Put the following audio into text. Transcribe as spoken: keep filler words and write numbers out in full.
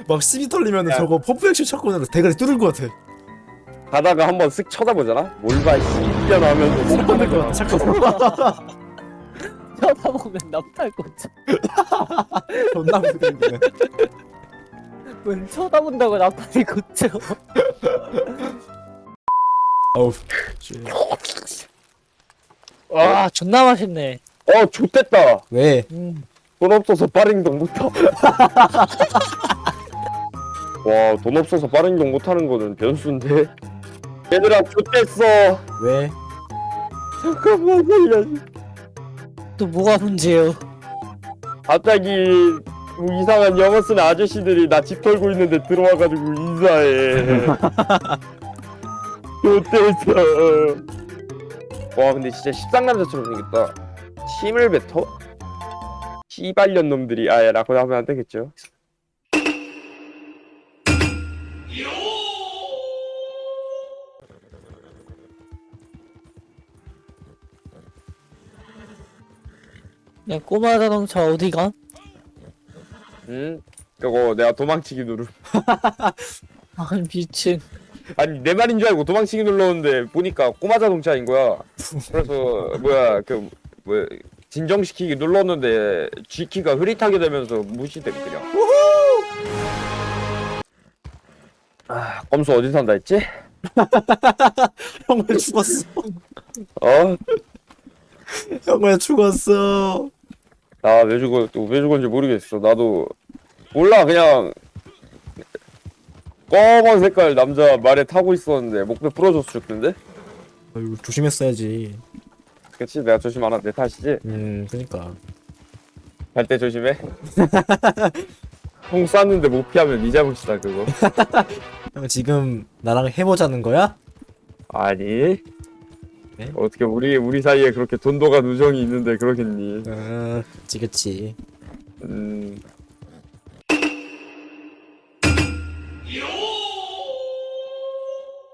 막 시비 털리면은 야. 저거 펌프 액션 샷건으로 대가리 뚫을 것 같아. 가다가 한번 쓱 쳐다보잖아. 뭘봐 씨년 하면서 못 보는 거야. 샷건. 쳐다보면 남탈 거지. 존나 무서운데. 왜 쳐다본다고 남탈이 걷죠? 어우. 와 존나 맛있네. 어 좋댔다. 왜? 음. 돈 없어서 빠른 이동 못하. 와, 돈 없어서 빠른 이동 못하는 거는 변수인데. 얘들아, 좋댔어. 왜? 잠깐만 살려줘. 또 뭐가 문제요? 갑자기 이상한 영어 쓰는 아저씨들이 나 집 털고 있는데 들어와가지고 인사해. 좋댔어. 와, 근데 진짜 십상남자처럼 생겼다. 침을 뱉어? 씨발년 놈들이 아예 라고 하면 안 되겠죠. 야 꼬마 자동차 어디가? 응? 이거 내가 도망치기 누르. 아 미친. 아니 내 말인 줄 알고 도망치기 눌렀는데 보니까 꼬마 자동차인 거야. 그래서 뭐야 그 뭐야 진정시키기 눌렀는데 G키가 흐릿하게 되면서 무시됨 그냥. 아 검수 어디 산다 했지? 형 왜 죽었어? 어? 형 왜 죽었어? 나 왜 죽어 왜 죽었는지 모르겠어. 나도 몰라 그냥 검은 색깔 남자 말에 타고 있었는데 목배 부러져서 죽던데? 아유 조심했어야지. 그치 내가 조심 안 한 내 탓이지? 음 그니까. 갈 때 조심해. 총 쐈는데 못 피하면 네 잘못이다 그거. 형 지금 나랑 해보자는 거야? 아니. 네? 어떻게 우리 우리 사이에 그렇게 돈도가 누정이 있는데 그러겠니? 음 그치 그치. 음